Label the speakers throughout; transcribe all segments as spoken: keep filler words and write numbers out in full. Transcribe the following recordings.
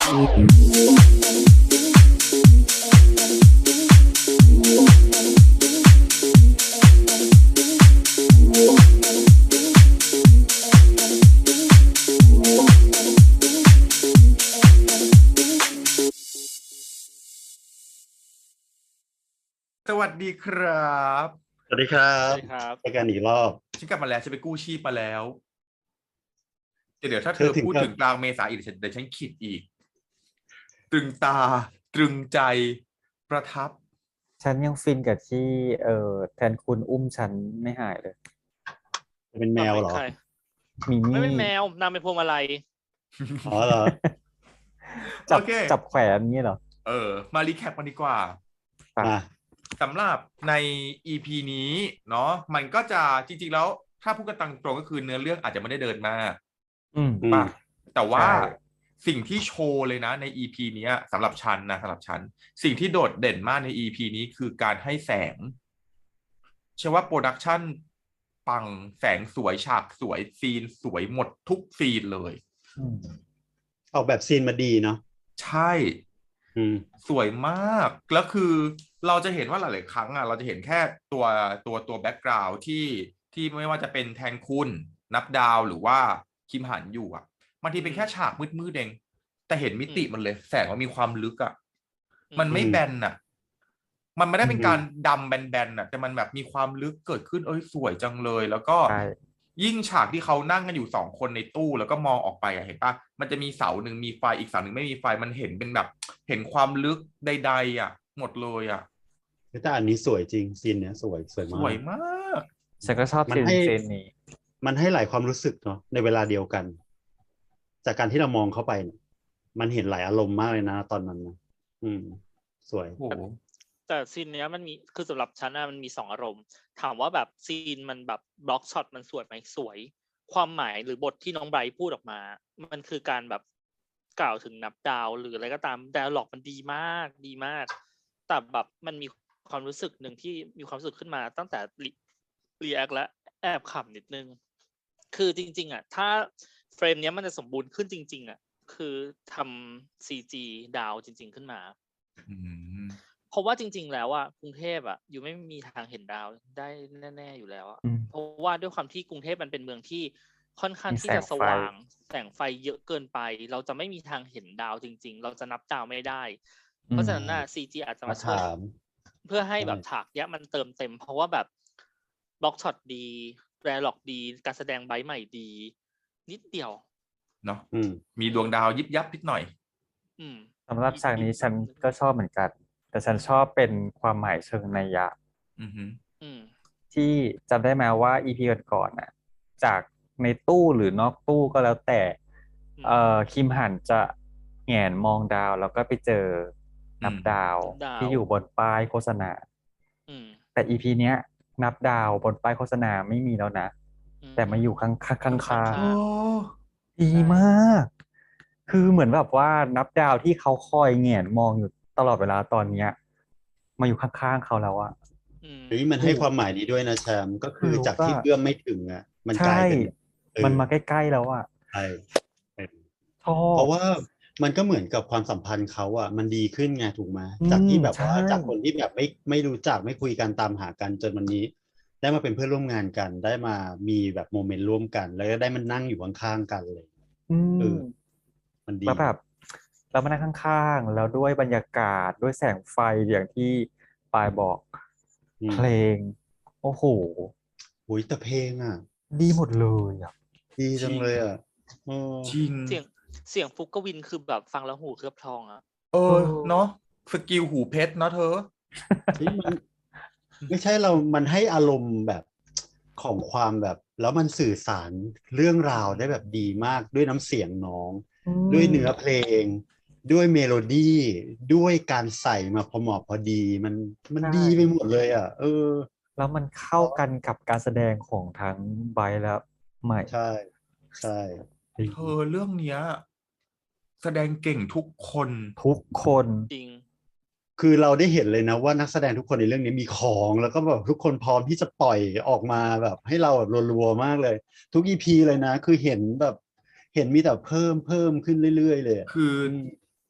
Speaker 1: สวัสดีครับ
Speaker 2: สวัสดีครับ
Speaker 3: สวัสดีครับ
Speaker 2: เจอกันอีกรอบ
Speaker 1: ฉันกลับมาแล้วฉันไปกู้ชีพมาแล้วเดี๋ยวถ้าเธ
Speaker 2: เธ
Speaker 1: อ
Speaker 2: อถึง
Speaker 1: พูด
Speaker 2: กับ
Speaker 1: ถึงกลางเมษาอีกเดี๋ยวฉันเดี๋ยวฉันคิดอีกตรึงตาตรึงใจประทับ
Speaker 4: ฉันยังฟินกับที่เอ่อแทนคุณอุ้มฉันไม่หายเลย
Speaker 2: จะเป็นแมวเหรอ
Speaker 3: ใคร
Speaker 4: มี
Speaker 3: ไม่
Speaker 4: นี่
Speaker 3: เป็นแมวนางเป็นพวงมาลัย
Speaker 2: อ๋อเหรอ
Speaker 4: จับ
Speaker 1: โอเค
Speaker 4: จับแขวนอย่างนี้เหรอ
Speaker 1: เออมารีแคปกันดีกว่า
Speaker 4: อ่ะ
Speaker 2: มา
Speaker 1: สำหรับใน อี พี นี้เนาะมันก็จะจริงๆแล้วถ้าพูดกันตรงๆก็คือเนื้อเรื่องอาจจะไม่ได้เดินมาก
Speaker 4: อืม
Speaker 2: อืม
Speaker 1: ป่ะแต่ว่า
Speaker 4: ใช่
Speaker 1: สิ่งที่โชว์เลยนะใน อี พี เนี้ยสำหรับฉันนะสำหรับฉันสิ่งที่โดดเด่นมากใน อี พี นี้คือการให้แสงเชื่อว่าโปรดักชันปังแสงสวยฉากสวยซีนสวยหมดทุกซีนเลย
Speaker 4: อืม
Speaker 2: ออกแบบซีนมาดีเนาะ
Speaker 1: ใช่
Speaker 2: อืม
Speaker 1: สวยมากแล้วคือเราจะเห็นว่าหลายๆครั้งอ่ะเราจะเห็นแค่ตัวตัวตัวแบ็กกราวด์ที่ที่ไม่ว่าจะเป็นแทนคุณนับดาวหรือว่าคิมหันอยู่อ่ะบางทีเป็นแค่ฉากมืดๆเองแต่เห็นมิติมันเลยแสงมันมีความลึกอ่ะมันไม่แบนอ่ะมันไม่ได้เป็นการดำแบนๆอ่ะแต่มันแบบมีความลึกเกิดขึ้นเอ้ยสวยจังเลยแล้วก็
Speaker 4: ใช่
Speaker 1: ยิ่งฉากที่เขานั่งกันอยู่สองคนในตู้แล้วก็มองออกไปอะเห็นปะมันจะมีเสาหนึ่งมีไฟอีกเสาหนึ่งไม่มีไฟมันเห็นเป็นแบบ เห็นความลึกใดๆอ่ะ หมดเลยอ่ะ
Speaker 2: แต่อันนี้สวยจริงซีนเนี้ยสวยสวย
Speaker 1: ส
Speaker 2: มาก
Speaker 1: วยมาก
Speaker 4: ฉันก็ชอบ
Speaker 2: มัน
Speaker 4: ซีน
Speaker 2: ให้
Speaker 4: ซีนนี้
Speaker 2: มันให้หลายความรู้สึกเนาะในเวลาเดียวกัน จากการที่เรามองเข้าไปเนี่ยมันเห็นหลายอารมณ์มากเลยนะตอนนั้นนะอืม สวย
Speaker 1: โอ้โห
Speaker 3: แต่ซีนเนี้ยมันมีคือสำหรับฉันนะมันมีสองอารมณ์ถามว่าแบบซีนมันแบบบล็อกช็อตมันสวยไหมสวย ความหมายหรือบทที่น้องไบรท์พูดออกมา มันคือการแบบกล่าวถึงนับดาวหรืออะไรก็ตามไดอะล็อกมันดีมากดีมาก แต่แบบมันมีความรู้สึกหนึ่งที่มีความรู้สึกขึ้นมาตั้งแต่รีแอคและแอบขำนิดนึง คือจริงๆอ่ะถ้าเฟรมเนี้ยมันจะสมบูรณ์ขึ้นจริงๆอ่ะคือทำ ซี จี ดาวจริง ๆขึ้นมา
Speaker 1: อืม
Speaker 3: เพราะว่าจริง ๆ แล้วอ่ะกรุงเทพอ่ะอยู่ไม่มีทางเห็นดาวได้แน่ๆอยู่แล้วอ่ะ
Speaker 4: อืม
Speaker 3: เพราะว่าด้วยความที่กรุงเทพมันเป็นเมืองที่ค่อนข้าง
Speaker 4: มี
Speaker 3: ที่
Speaker 4: แสง
Speaker 3: จะส
Speaker 4: ไฟ
Speaker 3: ว่างแสงไฟเยอะเกินไป เราจะไม่มีทางเห็นดาวจริง ๆ เราจะนับดาวไม่ได้ เพราะฉะนั้นน่ะ ซี จี อาจจะ
Speaker 2: มา
Speaker 3: มาช่วย
Speaker 2: ถาม
Speaker 3: เพื่อให้
Speaker 2: ใช่
Speaker 3: แบบฉากเนี้ยมันเติมเต็ม เพราะว่าแบบบล็อกช็อตดีแรล็อกดี การแสดงไบรท์ใหม่ดี นิดเดียว
Speaker 1: เนาะ
Speaker 2: อืม
Speaker 1: มีดวงดาวยิบยับนิดหน่อย
Speaker 3: อืม
Speaker 4: สำหรับฉากนี้ฉันก็ชอบเหมือนกัน แต่ฉันชอบเป็นความหมายเชิงนัยยะ
Speaker 1: อือหือ
Speaker 3: อืม
Speaker 4: ที่จำได้ไหมว่า อี พี ก่อนๆน่ะ จากในตู้หรือนอกตู้ก็แล้วแต่
Speaker 3: อืม
Speaker 4: เอ่อคิมหันจะแหงนมองดาวแล้วก็ไปเจอนับดาว
Speaker 3: นับดาว
Speaker 4: ที่อยู่บนป้ายโฆษณา
Speaker 3: อืม
Speaker 4: แต่ อี พี เนี้ย นับดาวบนป้ายโฆษณาไม่มีแล้วนะ
Speaker 3: อืม
Speaker 4: แต่มาอยู่ข้างข้างข้างข้าง
Speaker 1: โอ้
Speaker 4: ดีมาก คือเหมือนแบบว่านับดาวที่เขาคอยแหงนมองอยู่ตลอดเวลาตอนเนี้ย มาอยู่ข้างๆเขาแล้วอะ
Speaker 3: อืม
Speaker 2: เฮ้ยมันให้ความหมายนี้ด้วยนะแชมป์ก็คือ
Speaker 4: รู้
Speaker 2: จากที่
Speaker 4: ว่า
Speaker 2: เอื้อมไม่ถึงอ่ะ มันก
Speaker 4: ใช่
Speaker 2: ลายเป็นเออ
Speaker 4: มันมาใกล้ๆแล้วอะ
Speaker 2: ใช่เออ
Speaker 4: ชอบ
Speaker 2: เพราะว่ามันก็เหมือนกับความสัมพันธ์เขาอ่ะมันดีขึ้นไงถูกไหม
Speaker 4: อืม
Speaker 2: จากที่แบบว่า
Speaker 4: ใช่
Speaker 2: จากคนที่แบบไม่ไม่รู้จักไม่คุยกันตามหากันจนวันนี้ ได้มาเป็นเพื่อนร่วมงานกัน ได้มามีแบบโมเมนต์ร่วมกัน แล้วก็ได้มันนั่งอยู่ข้างๆกันเลย
Speaker 4: อื
Speaker 2: เอ
Speaker 4: ม
Speaker 2: อ มันดี
Speaker 4: แล้วแบบเรามานั่งข้างๆ แล้วด้วยบรรยากาศด้วยแสงไฟอย่างที่ปายบอก
Speaker 2: อืม
Speaker 4: เพลง โอ้โห
Speaker 2: อุ้ยแต่เพลงอ่ะ
Speaker 4: ดีหมดเลยอ่ะ
Speaker 2: ดีจังเลยอ่ะเออ
Speaker 1: จริง
Speaker 3: เสียงเสียงฟุกกวินคือแบบฟังแล้วหูเคลือบทองอ่ะ
Speaker 1: เออ เนาะสกิลหูเพชรเนาะเธอ
Speaker 2: เฮ้ยมันไม่ใช่เรา มันให้อารมณ์แบบของความแบบ แล้วมันสื่อสารเรื่องราวได้แบบดีมากด้วยน้ำเสียงน้อง
Speaker 4: อืม
Speaker 2: ด้วยเนื้อเพลง ด้วยเมโลดี้ด้วยการใส่มาพอเหมาะพอดี มันมัน
Speaker 4: ใช่
Speaker 2: ดีไปหมดเลยอ่ะ เออ
Speaker 4: แล้วมันเข้ากันกับการแสดงของทั้งไบรท์และใหม่
Speaker 2: ใช่ใช่
Speaker 1: เธอเรื่องเนี้ยแสดงเก่งทุกคน
Speaker 4: ทุกคน
Speaker 3: จริง
Speaker 2: คือเราได้เห็นเลยนะว่านักแสดงทุกคนในเรื่องนี้มีของ แล้วก็แบบทุกคนพร้อมที่จะปล่อยออกมาแบบให้เราแบบรัวๆมากเลย ทุก อี พี เลยนะ คือเห็นแบบเห็นมีแต่เพิ่มเพิ่มขึ้นเรื่อยๆเลยอะ
Speaker 1: คือ
Speaker 2: อืม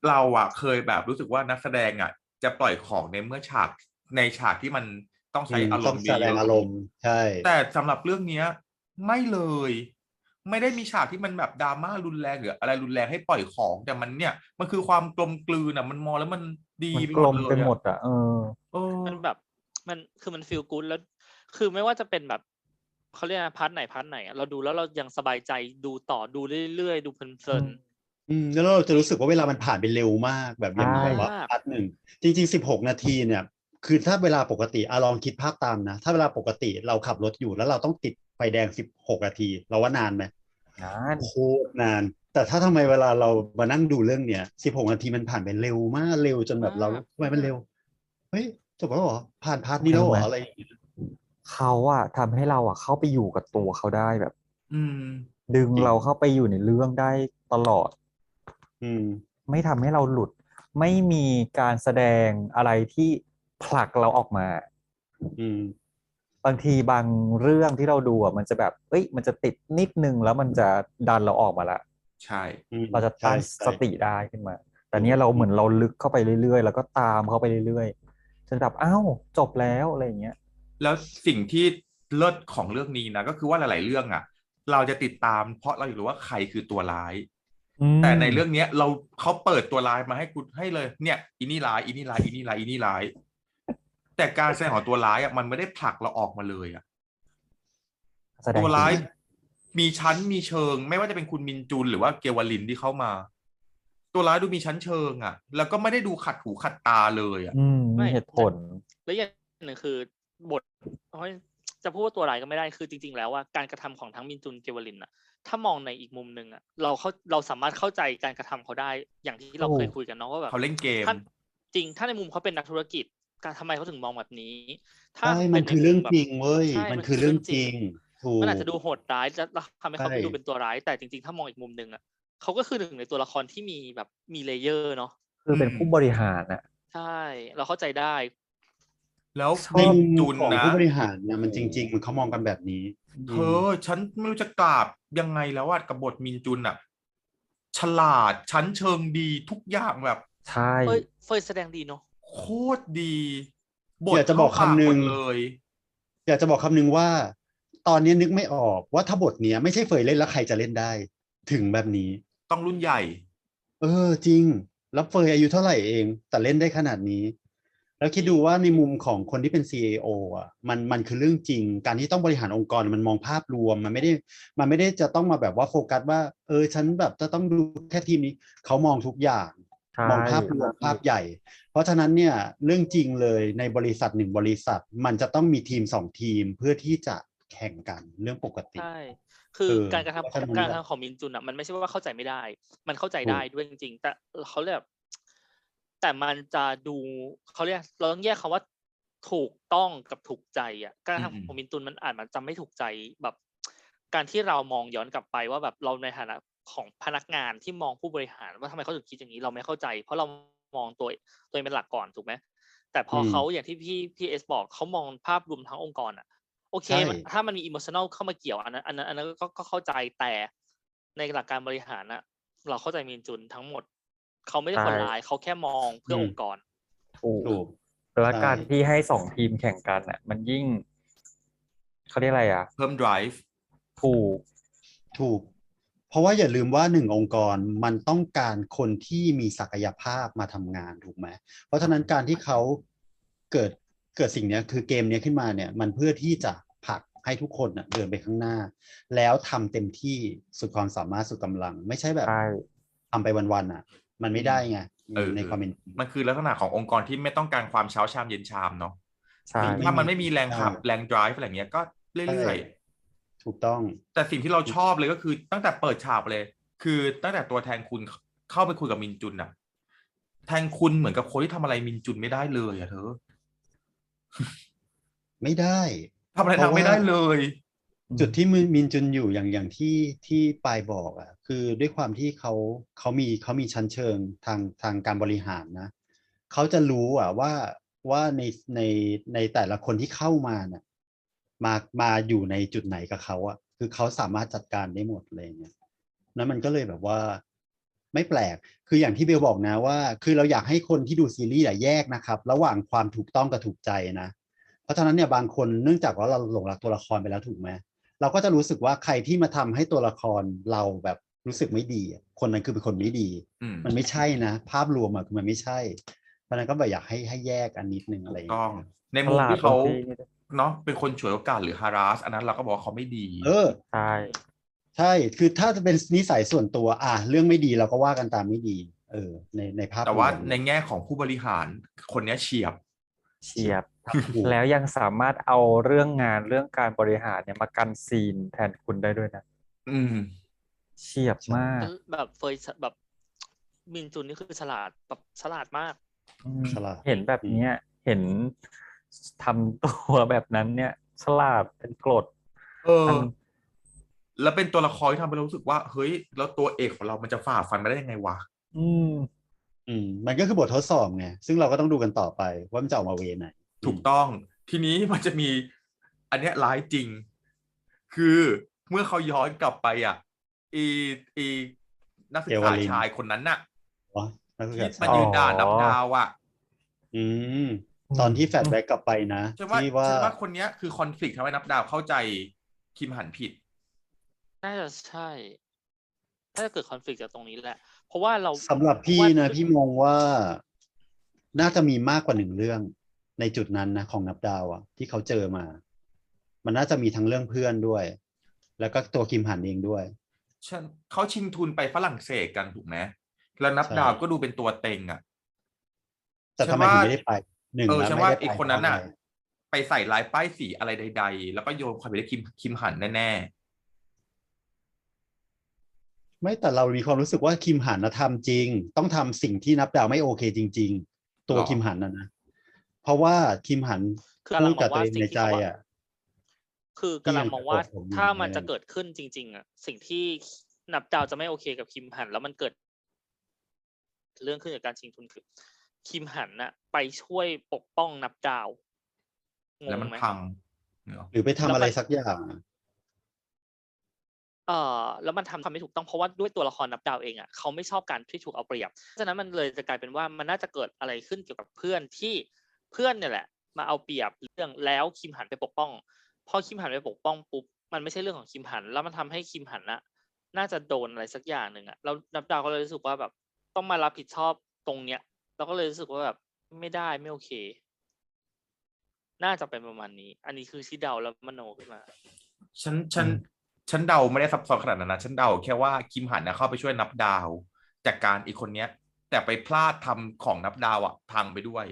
Speaker 1: เราอะเคยแบบรู้สึกว่านักแสดงอะจะปล่อยของในเมื่อฉากในฉากที่มันต้อง
Speaker 2: อื
Speaker 1: ใช้
Speaker 2: ม
Speaker 1: อาร
Speaker 2: ต้อ
Speaker 1: ม
Speaker 2: ง
Speaker 1: ณ์
Speaker 2: แสด
Speaker 1: เย
Speaker 2: ง
Speaker 1: อะ
Speaker 2: อารมณ์ใช่
Speaker 1: ๆแต่สำหรับเรื่องเนี้ยไม่เลย ไม่ได้มีฉากที่มันแบบดราม่ารุนแรงหรืออะไรรุนแรงให้ปล่อยของ แต่มันเนี่ยมันคือความกลมกลืนอะมันมองแล้วมันดี
Speaker 4: มัน
Speaker 1: ไป
Speaker 4: ก
Speaker 1: หม
Speaker 4: ล
Speaker 1: ด
Speaker 4: ม
Speaker 1: เล
Speaker 4: ไป
Speaker 1: ย
Speaker 4: หม
Speaker 1: อะ
Speaker 4: ดอะ เออ
Speaker 1: เออ
Speaker 3: มันแบบ มัน คือมัน feel good แล้ว คือไม่ว่าจะเป็นแบบ เขาเรียกอะไร พาร์ตไหน พาร์ตไหนอะ เราดูแล้วเรายังสบายใจดูต่อ ดูเรื่อย ๆ ดูเพลิ
Speaker 4: อื
Speaker 3: น
Speaker 4: ม
Speaker 2: อืม แล้วเราจะรู้สึกว่าเวลามันผ่านไปเร็วมาก แบบ
Speaker 4: ใช
Speaker 2: อย่างแบบว่า
Speaker 3: มาก
Speaker 2: พาร์ต หนึ่ง จริง ๆ สิบหก นาทีเนี่ย คือถ้าเวลาปกติ อะ ลองคิดภาพตามนะ ถ้าเวลาปกติเราขับรถอยู่ แล้วเราต้องติดไฟแดง สิบหก นาที เราว่านานไหม?
Speaker 4: นาน
Speaker 2: โคตรนาน แต่ถ้าทำไมเวลาเรามานั่งดูเรื่องเนี้ย สิบหก นาทีมันผ่านไปเร็วมาก เร็วจนแบ
Speaker 3: มา
Speaker 2: บเรา
Speaker 3: ก
Speaker 2: ทำไมมันเร็ว เฮ้ย จบแล้วเหรอ ผ่านพาร์ต
Speaker 4: ทำไ
Speaker 2: นี้
Speaker 4: ม
Speaker 2: แล้ว
Speaker 4: รู
Speaker 2: เ
Speaker 4: ้ไหม?
Speaker 2: หรอ อะไรอย่างเงี้ย
Speaker 4: เขาอะทำให้เราอะเข้าไปอยู่กับตัวเขาได้แบบ
Speaker 1: อืม
Speaker 4: ดึง
Speaker 2: จริง
Speaker 4: เราเข้าไปอยู่ในเรื่องได้ตลอด
Speaker 2: อืม
Speaker 4: ไม่ทำให้เราหลุด ไม่มีการแสดงอะไรที่ผลักเราออกมา
Speaker 2: อืม
Speaker 4: บางทีบางเรื่องที่เราดูอะมันจะแบบ เฮ้ย มันจะติดนิดหนึ่ง แล้วมันจะดันเราออกมาแล้ว
Speaker 1: ใช่
Speaker 2: อืม
Speaker 4: เราจะ
Speaker 2: ใช
Speaker 4: ตั้ง
Speaker 2: ๆ
Speaker 4: สติได้ขึ้นมา แต่
Speaker 2: ถูก
Speaker 4: เนี่ยเราเหมือนเราลึกเข้าไปเรื่อย ๆ แล้วก็ตามเข้าไปเรื่อย ๆ จนแบบ อ้าว จบแล้ว อะไรอย่างเงี้ย
Speaker 1: แล้วสิ่งที่เลิศของเรื่องนี้นะ ก็คือว่าหลาย ๆ เรื่องอะเราจะติดตาม เพราะเราอยากรู้ว่าใครคือตัวร้าย
Speaker 4: อืม
Speaker 1: แต่ในเรื่องเนี้ยเรา เขาเปิดตัวร้ายมาให้คุณ ให้เลย เนี่ย อีนี่ร้าย อีนี่ร้าย อีนี่ร้าย อีนี่ร้าย แต่การแสดงของตัวร้ายอะมันไม่ได้ผลักเราออกมาเลยอะ
Speaker 4: แสด
Speaker 1: ตั
Speaker 4: ง
Speaker 1: ว
Speaker 4: เก
Speaker 1: ร้
Speaker 4: ่
Speaker 1: า
Speaker 4: ง
Speaker 1: ยมีชั้นมีเชิง ไม่ว่าจะเป็นคุณมินจุน หรือว่าเกวลินที่เข้ามา ตัวร้ายดูมีชั้นเชิงอะ แล้วก็ไม่ได้ดูขัดหูขัดตาเลยอะ
Speaker 4: อืม
Speaker 3: ไม
Speaker 4: มี่ เหตุผล
Speaker 3: แล้วอย่างหนึ่งคือบท โอ๊ย จะพูดว่าตัวร้ายก็ไม่ได้ คือจริง ๆ แล้วอะการกระทำของทั้งมินจุน เกวลินน่ะ ถ้ามองในอีกมุมหนึ่งอะ เราเข้า เราสามารถเข้าใจการกระทำเขาได้ อย่างที่เรา
Speaker 4: ถูก
Speaker 3: เคยคุยกันเนาะว่าแบ
Speaker 1: เขา
Speaker 3: บ
Speaker 1: เล่นเกม
Speaker 3: ถ้า จริง ถ้าในมุมเขาเป็นนักธุรกิจ การ ทำไมเขาถึงมองแบบนี้ ถ้า
Speaker 2: ใช่
Speaker 3: เ
Speaker 2: ม
Speaker 3: ปั็
Speaker 2: น
Speaker 3: นใน
Speaker 2: คือ
Speaker 3: ม
Speaker 2: เรื่อง
Speaker 3: แบบ
Speaker 2: จริงเว้ย
Speaker 3: ใช่
Speaker 2: มัน
Speaker 3: มัน
Speaker 2: คื
Speaker 3: คือ อ
Speaker 2: เรื่
Speaker 3: เรื่
Speaker 2: อ
Speaker 3: อง ง
Speaker 2: จ
Speaker 3: จ
Speaker 2: ริง ถูก
Speaker 3: มันอาจจะดูโหดร้าย แล้ว แล้วทำให้
Speaker 2: ใช
Speaker 3: เขาดู
Speaker 2: ่
Speaker 3: เป็นตัวร้าย แต่จริง ๆ ถ้ามองอีกมุมหนึ่งอะ เขาก็คือหนึ่งในตัวละครที่มีแบบ มี layer เนาะ
Speaker 4: คือเป็น
Speaker 1: อืม
Speaker 4: ผู้บริหารน่ะ
Speaker 3: ใช่ เราเข้าใจได้
Speaker 1: แล้ว
Speaker 4: ช
Speaker 2: ใน
Speaker 1: มิน
Speaker 2: มุม
Speaker 1: จุน
Speaker 2: ของ
Speaker 1: นะ
Speaker 2: ผู้บริหารน่ะ
Speaker 1: โอ้
Speaker 2: มันจริง ๆ เขามองกันแบบนี้
Speaker 1: เธ
Speaker 2: อืม
Speaker 1: อ ฉันไม่รู้จะกราบยังไงแล้วอะกับบทมินจุนน่ะ ฉลาด ชั้นเชิงดีทุกอย่างแบบ
Speaker 4: ใช่
Speaker 3: เฟย เฟยแสดงดีเนาะ
Speaker 1: โคตรดี บท
Speaker 2: อยากจะ
Speaker 1: เข้า
Speaker 2: บอกค
Speaker 1: ปาก
Speaker 2: ำหน
Speaker 1: หมึ
Speaker 2: ่ง
Speaker 1: ดเลย
Speaker 2: อยากจะบอกคำหนึ่งว่า ตอนนี้นึกไม่ออกว่า ถ้าบทเนี้ยไม่ใช่เฟยเล่นแล้วใครจะเล่นได้ ถึงแบบนี้
Speaker 1: ต้องรุ่นใหญ่
Speaker 2: เออ จริง แล้วเฟยอายุเท่าไรเอง แต่เล่นได้ขนาดนี้ แล้วคิดดูว่าในมุมของคนที่เป็น ซี อี โอ อะ มัน มันคือเรื่องจริง การที่ต้องบริหารองค์กรมันมองภาพรวม มันไม่ได้ มันไม่ได้จะต้องมาแบบว่าโฟกัสว่า เออ ฉันแบบจะต้องดูแค่ทีมนี้ เขามองทุกอย่าง
Speaker 4: ใช่
Speaker 2: มองภาพรวม ภาพใหญ่ เพราะฉะนั้นเนี่ย เรื่องจริงเลยในบริษัท หนึ่ง บริษัท มันจะต้องมีทีม สอง ทีม เพื่อที่จะแข่งกันเรื่องปกติ
Speaker 3: ใช่ คือ
Speaker 2: เออ
Speaker 3: การกระทำ
Speaker 2: เพราะ
Speaker 3: ขอ
Speaker 2: ฉะนั้น
Speaker 3: การก
Speaker 2: แบ
Speaker 3: ระ
Speaker 2: บ
Speaker 3: ทำของมินจุนน่ะ มันไม่ใช่ว่าเข้าใจไม่ได้ มันเข้าใจ
Speaker 2: ถู
Speaker 3: ได้
Speaker 2: ก
Speaker 3: ด้วยจริง ๆ แต่ เอ่อ เขาเรียกแบบ แต่มันจะดู เขาเรียก เราต้องแยกคำว่า ถูกต้องกับถูกใจอะ การกระทำ
Speaker 1: อืม
Speaker 3: ขอ
Speaker 1: ๆ
Speaker 3: งมินจุนมันอาจมันจะไม่ถูกใจแบบ การที่เรามองย้อนกลับไปว่าแบบเราในฐานะของพนักงานที่มองผู้บริหารว่า ทำไมเขาถึงคิดอย่างงี้ เราไม่เข้าใจ เพราะเรามองตัว ตัวเองเป็นหลักก่อน ถูกไหม แต่พ
Speaker 2: อืม
Speaker 3: อเขาอย่างที่พี่ พี่เอสบอก เขามองภาพรวมทั้งองค์กรอะ โอเค
Speaker 2: ใช่
Speaker 3: มัน ถ้ามันมี emotional เข้ามาเกี่ยว อันนั้น อันนั้น อันนั้นก็ ก็เข้าใจ แต่ในหลักการบริหารน่ะ เราเข้าใจมินจุนทั้งหมด เขาไม่
Speaker 4: ใ
Speaker 3: ได้
Speaker 4: ช่
Speaker 3: คนร้าย เขาแค่มองเพื่
Speaker 2: อืม
Speaker 3: อองค์กร
Speaker 4: ถูก
Speaker 2: ถูก
Speaker 4: แล้ว
Speaker 2: ใช่
Speaker 4: การที่ให้ สอง ทีมแข่งกันน่ะ มันยิ่ง เขาเรียกอะไรอะ
Speaker 1: เพิ่ม ไดรฟ์
Speaker 4: ถูก
Speaker 2: ถูก เพราะว่าอย่าลืมว่า หนึ่ง องค์กรมันต้องการคนที่มีศักยภาพมาทำงาน ถูกไหม เพราะฉะนั้นการที่เขาเกิด เกิดสิ่งเนี้ย คือเกมเนี้ยขึ้นมาเนี่ย มันเพื่อที่จะผลักให้ทุกคนน่ะเดินไปข้างหน้า แล้วทำเต็มที่สุดความสามารถ สุดกำลัง ไม่ใช่แบบ
Speaker 4: ใช่
Speaker 2: ทำไปวัน ๆ น่ะ มันไม่ได้ไง
Speaker 1: เออ
Speaker 2: ในความเป็น
Speaker 1: มันคือลักษณะขององค์กรที่ไม่ต้องการความเช้าชามเย็นชามเนาะ
Speaker 4: ใช่
Speaker 1: ถ้ามันไม่มีแรง
Speaker 2: ใช่
Speaker 1: ขับ แรง ไดรฟ์ อะไรอย่างเงี้ย ก็
Speaker 2: ใช่
Speaker 1: เรื่อย ๆ
Speaker 2: ถูกต้อง
Speaker 1: แต่สิ่งที่เราชอบเลยก็คือตั้งแต่เปิดฉากเลย คือตั้งแต่ตัวแทนคุณ ข เข้าไปคุยกับมินจุนน่ะ แทนคุณเหมือนกับคนที่ทำอะไรมินจุนไม่ได้เลยอะเธอ
Speaker 2: ไม่ได้
Speaker 1: ทำอะไรนาง
Speaker 2: เพราะว่า
Speaker 1: ไม่ได้เลย
Speaker 2: จุดที่มิน มินจุนอยู่อย่าง อย่างที่ ที่ปายบอกอะ คือด้วยความที่เขา เขามี เขามีชั้นเชิงทาง ทางการบริหารนะ เขาจะรู้อะว่า ว่าใน ใน ในแต่ละคนที่เข้ามาน่ะ มา มาอยู่ในจุดไหนกับเขาอะ คือเขาสามารถจัดการได้หมด อะไรอย่างเงี้ย แล้วมันก็เลยแบบว่าไม่แปลกคืออย่างที่เบลบอกนะว่า คือเราอยากให้คนที่ดูซีรีส์อะแยกนะครับ ระหว่างความถูกต้องกับถูกใจนะ เพราะฉะนั้นเนี่ยบางคนเนื่องจากว่าเราหลงรักตัวละครไปแล้วถูกไหมเราก็จะรู้สึกว่าใครที่มาทำให้ตัวละครเราแบบรู้สึกไม่ดีอะคนนั้นคือเป็นคนไม่ดี
Speaker 1: อืม
Speaker 2: มันไม่ใช่นะ ภาพรวมอะคือมันไม่ใช่ เพราะฉะนั้นก็แบบอยากให้ให้แยกอันนิดนึงอะไร
Speaker 1: ถู
Speaker 2: อก ย่าง
Speaker 1: ต้
Speaker 2: เงี้
Speaker 1: อง
Speaker 2: ย
Speaker 1: ใน
Speaker 4: ฉ
Speaker 1: มุม
Speaker 4: ลาด
Speaker 1: ที่
Speaker 4: ตร
Speaker 1: เขา
Speaker 4: งที่นี่ด้วย
Speaker 1: เนาะเป็นคนฉวยโอกาสหรือ harass อันนั้นเราก็บอกว่าเขาไม่ดี
Speaker 2: เออ
Speaker 4: ใช่
Speaker 2: ใช่ คือถ้าจะเป็นนิสัยส่วนตัว อ่ะเรื่องไม่ดีเราก็ว่ากันตามไม่ดี เออ ในในภาพ
Speaker 1: แต่
Speaker 2: ร
Speaker 1: ว่าว
Speaker 2: ม
Speaker 1: ในแง่ของผู้บริหารคนเนี้ยเฉียบ
Speaker 4: เฉียบ
Speaker 2: ถูก
Speaker 4: แล้วยังสามารถเอาเรื่องงานเรื่องการบริหารเนี่ยมากันซีนแทนคุณได้ด้วยนะ
Speaker 1: อืม
Speaker 4: เฉียบ
Speaker 2: ใช่
Speaker 4: มาก
Speaker 3: แบบเฟยแบบ มินจุนนี่คือฉลาดแบบฉลาดมาก
Speaker 4: อืม
Speaker 2: ฉลาด
Speaker 4: เห็นแบบ
Speaker 2: อืม
Speaker 4: เนี้ย เห็นทำตัวแบบนั้นเนี่ย ฉลาดเป็นกรด
Speaker 1: เอ
Speaker 4: อั
Speaker 1: อ
Speaker 4: น
Speaker 1: แล้วเป็นตัวละครที่ทำให้เรารู้สึกว่า เฮ้ย แล้วตัวเอกของเรามันจะฝ่าฟันมาได้ยังไงวะ?
Speaker 4: อืม
Speaker 2: อืม มันก็คือบททดสอบไง ซึ่งเราก็ต้องดูกันต่อไปว่ามันจะออกมาเวย์ไหน อื
Speaker 1: ถูก
Speaker 2: ม
Speaker 1: ต้อง ทีนี้ มันจะมี อันเนี้ยร้ายจริง คือเมื่อเขาย้อนกลับไปอะ อี อี นักศึ
Speaker 2: เอก ว
Speaker 1: ษา
Speaker 2: ลิน
Speaker 1: ชายคนนั้นน่ะ
Speaker 2: อ๋อ นักศึก
Speaker 1: ที่
Speaker 2: ษา
Speaker 1: มา
Speaker 2: ชา
Speaker 1: ยื
Speaker 2: ย
Speaker 1: นด่านับดาวอะ
Speaker 2: อืม ตอนที่แฟลชแบ็กกลับไปนะ
Speaker 1: ฉัน
Speaker 2: ท
Speaker 1: ว่า
Speaker 2: ที่ว่า
Speaker 1: ฉันว่าคนเนี้ยคือ conflict ทำให้นับดาวเข้าใจคิมหันผิด
Speaker 3: น่าจะใช่ น่าจะเกิด conflict จากตรงนี้แหละ เพราะว่าเรา
Speaker 2: สำหรับ
Speaker 3: เพ
Speaker 2: พี่
Speaker 3: ราะว่า
Speaker 2: นะ พี่มองว่า น่าจะมีมากกว่าหนึ่งเรื่องในจุดนั้นนะของนับดาวอะ ที่เขาเจอมา มันน่าจะมีทั้งเรื่องเพื่อนด้วย แล้วก็ตัวคิมหันเองด้วย
Speaker 1: ฉัน เขาชิงทุนไปฝรั่งเศสกันถูกไหม แล้วนับ
Speaker 2: ใช่
Speaker 1: ดาวก็ดูเป็นตัวเต็งอะ
Speaker 2: แต่
Speaker 1: ฉั
Speaker 2: ทำ
Speaker 1: น
Speaker 2: ไม
Speaker 1: ว่า
Speaker 2: ถึงไม่ได้ไป หนึ่ง
Speaker 1: เออ
Speaker 2: แล้ว
Speaker 1: ฉัน
Speaker 2: ไม่
Speaker 1: ว่า
Speaker 2: ได้ ไป
Speaker 1: ไอ้คน
Speaker 2: เพ
Speaker 1: นั้
Speaker 2: ราะ
Speaker 1: น
Speaker 2: อะ
Speaker 1: น่ะ
Speaker 2: ไร
Speaker 1: ไปใส่ร้ายป้ายสีอะไรใด ๆ แล้วก็โยนความผิดให้คิม คิมหันแน่ ๆ
Speaker 2: ไม่ แต่เรามีความรู้สึกว่าคิมหันน่ะทำจริง ต้องทำสิ่งที่นับดาวไม่โอเคจริง ๆ ตัว
Speaker 1: เหรอ?
Speaker 2: คิมหันอะนะ เพราะว่าคิมหัน
Speaker 3: คือกำ
Speaker 2: พ
Speaker 3: ลั
Speaker 2: ู
Speaker 3: ง
Speaker 2: ด
Speaker 3: ม
Speaker 2: กับ
Speaker 3: อ ง
Speaker 2: ตั
Speaker 3: ว่
Speaker 2: ว
Speaker 3: า
Speaker 2: เอง
Speaker 3: สิ่
Speaker 2: ใน
Speaker 3: งที่
Speaker 2: ใจ
Speaker 3: เขา
Speaker 2: อะ
Speaker 3: คือกำ
Speaker 2: ที่
Speaker 3: ลั
Speaker 2: ยัง ง
Speaker 3: มอ
Speaker 2: จะ
Speaker 3: ง
Speaker 2: โก
Speaker 3: ว่
Speaker 2: ร
Speaker 3: า
Speaker 2: ธผมอยู่
Speaker 3: ถ้ามัน
Speaker 2: อะไร
Speaker 3: จะเกิดขึ้นจริง ๆ อะ สิ่งที่ นับดาวจะไม่โอเคกับคิมหัน แล้วมันเกิด เรื่องขึ้นจากการชิงทุน คือ คิมหันน่ะไปช่วยปกป้องนับดาว ง
Speaker 1: แล้วมั
Speaker 3: ง
Speaker 1: น
Speaker 3: ไหม?
Speaker 1: พัง งี้เหรอ?
Speaker 2: หรือไปทำ
Speaker 3: แล้ว
Speaker 2: อะไร
Speaker 3: มัน
Speaker 2: สักอย่างอะ
Speaker 3: เอ่อ แล้วมันทำ ทำไม่ถูกต้อง เพราะว่าด้วยตัวละครนับดาวเองอะ เขาไม่ชอบการที่ถูกเอาเปรียบ ฉะนั้นมันเลยจะกลายเป็นว่า มันน่าจะเกิดอะไรขึ้นเกี่ยวกับเพื่อนที่ เพื่อนเนี่ยแหละมาเอาเปรียบเรื่อง แล้วคิมหันไปปกป้อง พอคิมหันไปปกป้องปุ๊บ มันไม่ใช่เรื่องของคิมหัน แล้วมันทำให้คิมหันน่ะ น่าจะโดนอะไรสักอย่างหนึ่งอะ แล้วนับดาวก็เลยรู้สึกว่าแบบต้องมารับผิดชอบตรงเนี้ย เราก็เลยรู้สึกว่าแบบไม่ได้ ไม่โอเค น่าจะเป็นประมาณนี้ อันนี้คือที่เดาแล้วมโนขึ้นมา
Speaker 1: ฉัน ฉั
Speaker 2: อื
Speaker 1: น
Speaker 2: ม
Speaker 1: ฉันเดาไม่ได้ซับซ้อนขนาดนั้นนะ ฉันเดาแค่ว่าคิมหันน่ะเข้าไปช่วยนับดาวจัดการไอ้คนเนี้ย แต่ไปพลาดทำของนับดาวอะพังไปด้วย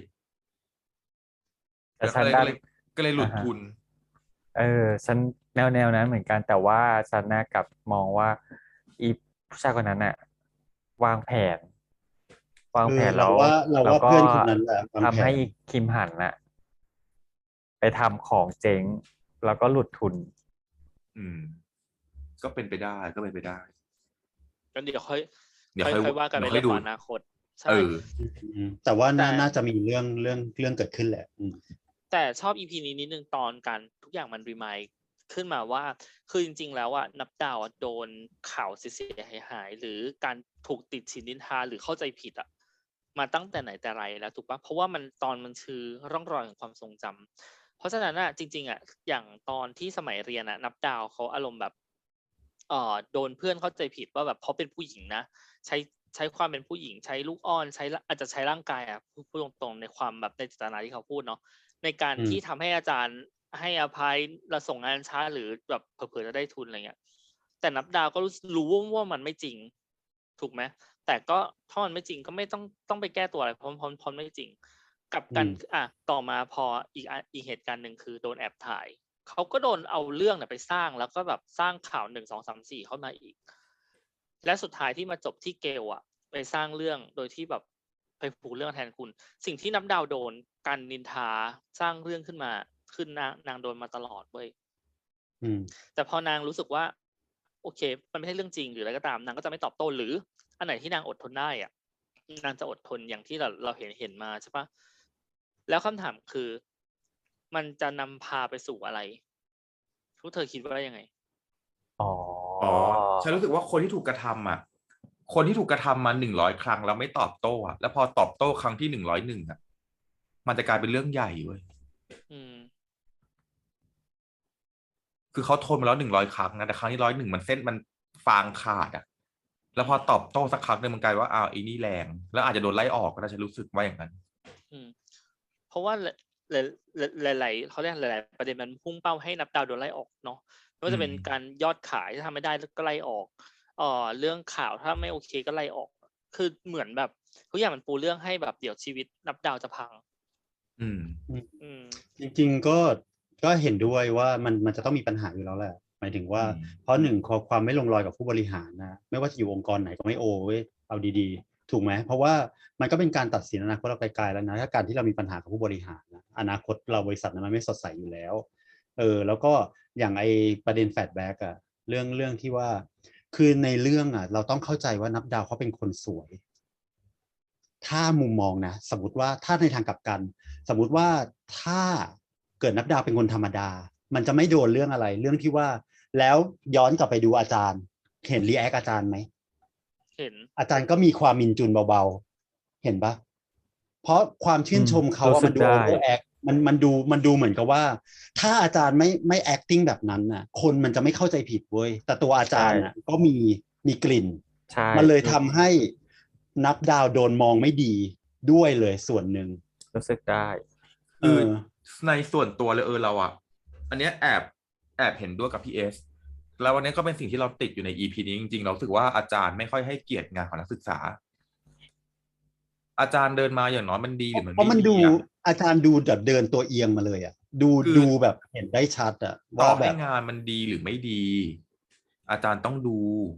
Speaker 4: แต่
Speaker 1: แล้ว
Speaker 4: ฉั
Speaker 1: ก็
Speaker 4: น
Speaker 1: เลย
Speaker 4: ด
Speaker 1: กั็
Speaker 4: น
Speaker 1: เลย ก็เลยหลุ
Speaker 4: อ
Speaker 1: ด
Speaker 4: อะฮะ
Speaker 1: ทุน
Speaker 4: เออ ฉันแนว ๆ นั้นเหมือนกัน แต่ว่าฉันน่ะกลับมองว่า อีผู้ชายคนนั้นน่ะวางแผน วาง
Speaker 2: คื
Speaker 4: แผน
Speaker 2: อเ
Speaker 4: แ
Speaker 2: ร
Speaker 4: ล
Speaker 2: า
Speaker 4: ้ว
Speaker 2: ว่า เรา
Speaker 4: แล้
Speaker 2: ว่
Speaker 4: ว
Speaker 2: า
Speaker 4: ก
Speaker 2: เพ็ื่อนคนนั้นแหละวาง
Speaker 4: ท
Speaker 2: แผ
Speaker 4: ำให้
Speaker 2: น
Speaker 4: คิมหันน่ะ ไปทำของเจ๊ง แล้วก็หลุดทุน
Speaker 1: อืม ก็เป็นไปได้ ก็เป็นไปได้
Speaker 3: งั้นเดี๋ยวค่อย
Speaker 1: เดี๋ยว
Speaker 3: ค่อย
Speaker 1: ค่อย
Speaker 3: ค่อยว่ากัน
Speaker 1: เดี๋
Speaker 3: ใน
Speaker 1: ยว
Speaker 3: เร
Speaker 1: ค่
Speaker 3: ื่อง
Speaker 1: อยดู
Speaker 3: ของอนาคต ใช
Speaker 1: เอ่ อ
Speaker 2: อืม แต่ว่า
Speaker 3: แต่
Speaker 2: น่า น่าจะมีเรื่อง เรื่อง เรื่องเกิดขึ้นแหละ อืม
Speaker 3: แต่ชอบ อี พี นี้นิดหนึ่งตอนการ ทุกอย่างมัน remind ขึ้นมาว่า คือจริง ๆ แล้วอะ นับดาวอะโดนข่าวเสีย ๆ หาย ๆ หรือการถูกติฉินนินทา หรือเข้าใจผิดอะ มาตั้งแต่ไหนแต่ไรแล้วถูกเปล่า? เพราะว่ามัน ตอนมันคือร่องรอยของความทรงจำ เพราะฉะนั้นน่ะ จริง ๆ อะ อย่างตอนที่สมัยเรียนอะ นับดาวเขาอารมณ์แบบ เอ่อ โดนเพื่อนเข้าใจผิดว่าแบบเพราะเป็นผู้หญิงนะ ใช้ ใช้ความเป็นผู้หญิง ใช้ลูกอ้อน ใช้ ร อาจจะใช้ร่างกายอะ พูด พูดตรง ๆ ในความแบบในเจตนาที่เขาพูดเนาะ ในการ
Speaker 2: อืม
Speaker 3: ที่ทำให้อาจารย์ให้อภัย เราส่งงานช้า หรือแบบเผลอ ๆ จะได้ทุน อะไรเงี้ย แต่นับดาวก็รู้ ส รู้ว่ามันไม่จริง ถูกไหม? แต่ก็ถ้ามันไม่จริงก็ไม่ต้อง ต้องไปแก้ตัวอะไร เพราะ เพราะ เพราะไม่จริง กลับกัน
Speaker 2: อืม
Speaker 3: อะ ต่อมาพออีกอัน อีกเหตุการณ์หนึ่งคือโดนแอบถ่าย เขาก็โดนเอาเรื่องน่ะไปสร้าง แล้วก็แบบสร้างข่าว หนึ่งสองสามสี่ เข้ามาอีก และสุดท้ายที่มาจบที่เกลอะ ไปสร้างเรื่องโดยที่แบบไปผูกเรื่องแทนคุณ สิ่งที่นับดาวโดน การนินทา สร้างเรื่องขึ้นมา คือนาง นางโดนมาตลอดเว้ย
Speaker 2: อืม
Speaker 3: แต่พอนางรู้สึกว่า โอเค มันไม่ใช่เรื่องจริง หรืออะไรก็ตาม นางก็จะไม่ตอบโต้ หรืออันไหนที่นางอดทนได้อะ นางจะอดทนอย่างที่เรา เราเห็น เห็นมาใช่เปล่า? แล้วคำถามคือ มันจะนำพาไปสู่อะไร? พวกเธอคิดว่ายังไง?
Speaker 4: อ๋อ
Speaker 1: อ๋อ ฉันรู้สึกว่าคนที่ถูกกระทำอะคนที่ถูกกระทำมาหนึ่งร้อยครั้งแล้วไม่ตอบโต้อะแล้วพอตอบโต้ครั้งที่หนึ่งร้อยหนึ่งอะมันจะกลายเป็นเรื่องใหญ่เว้ย
Speaker 3: อืม
Speaker 1: คือเขาทนมาแล้วหนึ่งร้อยครั้งนะแต่ครั้งที่ร้อยหนึ่งมันเส้นมันฟางขาดอะแล้วพอตอบโต้สักครั้งหนึงมันกลายว่าอ้าวไอ้นี่แรงแล้วอาจจะโดนไล่ออกก็ได้ฉันรู้สึกว่าอย่างนั้น
Speaker 3: อืม เพราะว่าหลายหลายๆเขาเรียกหลาย ๆ ประเด็นมันพุ่งเป้าให้นับดาวโดนไล่ออกเนาะไม่ว่าจะเป็น
Speaker 1: อืม
Speaker 3: การยอดขายถ้าทำไม่ได้ก็ไล่ออกเอ่อเรื่องข่าวถ้าไม่โอเคก็ไล่ออก คือเหมือนแบบทุกอย่างมันปูเรื่องให้แบบเดี๋ยวชีวิตนับดาวจะพัง
Speaker 1: อืม
Speaker 3: อืม
Speaker 2: จริงๆก็ก็เห็นด้วยว่ามันมันจะต้องมีปัญหาอยู่แล้วแหละหมายถึงว่า
Speaker 1: อืม
Speaker 2: เพราะหนึ่งความความไม่ลงรอยกับผู้บริหารนะไม่ว่าจะอยู่องค์กรไหนก็ไม่โอเว้ยเอาดีๆ ถูกไหมเพราะว่ามันก็เป็นการตัดสินอนาคตเราไกลๆแล้วนะถ้าการที่เรามีปัญหากับผู้บริหารนะอนาคตเราบริษัทนั้นมันไม่สดใสอยู่แล้วเออแล้วก็อย่างไอประเด็นแฟลชแบ็กอะเรื่องเรื่องที่ว่าคือในเรื่องอะเราต้องเข้าใจว่านับดาวเขาเป็นคนสวย ถ้ามุมมองนะสมมติว่าถ้าในทางกลับกัน สมมุติว่าถ้าเกิดนับดาวเป็นคนธรรมดา มันจะไม่โดนเรื่องอะไร เรื่องที่ว่าแล้วย้อนกลับไปดูอาจารย์ เห็นรีแอคอาจารย์ไหม
Speaker 3: เห็น
Speaker 2: อาจารย์ก็มีความมินจุนเบาๆ เห็นปะเพราะความชื่นชมเขา
Speaker 4: รู้
Speaker 2: อะ
Speaker 4: สึ
Speaker 2: มัน
Speaker 4: ก
Speaker 2: ดู
Speaker 4: ได้
Speaker 2: โอเวอร์แอคมันมันดูมันดูเหมือนกับว่า ถ้าอาจารย์ไม่ไม่ acting แบบนั้นน่ะ คนมันจะไม่เข้าใจผิดเว้ยแต่ตัวอาจารย์น่ะก็มีมีกลิ่น
Speaker 4: ใช่
Speaker 2: มันเลยทำให้นับดาวโดนมองไม่ดีด้วยเลยส่วนหนึ่ง
Speaker 4: รู้สึกได้
Speaker 2: เอ
Speaker 1: คือ
Speaker 2: อ
Speaker 1: ในส่วนตัวเลยเออเราอะอันเนี้ยแอบแอบเห็นด้วยกับพี่เอสแล้ววันนี้ก็เป็นสิ่งที่เราติดอยู่ใน อี พี นี้จริงๆเรารู้สึกว่าอาจารย์ไม่ค่อยให้เกียรติงานของนักศึกษา อาจารย์เดินมาอย่างน้อยมันดีหรือมัน
Speaker 2: เพราะ
Speaker 1: ไม่
Speaker 2: มัน
Speaker 1: ดี
Speaker 2: ดู
Speaker 1: อะ
Speaker 2: อาจารย์ดูแบบเดินตัวเอียงมาเลยอ่ะ ดู
Speaker 1: คือ
Speaker 2: ดูแบบเห็นได้ชัดอ่ะ
Speaker 1: ต่อ
Speaker 2: ว่าแบ
Speaker 1: ให้
Speaker 2: บ
Speaker 1: งานมันดีหรือไม่ดี อาจารย์ต้องดู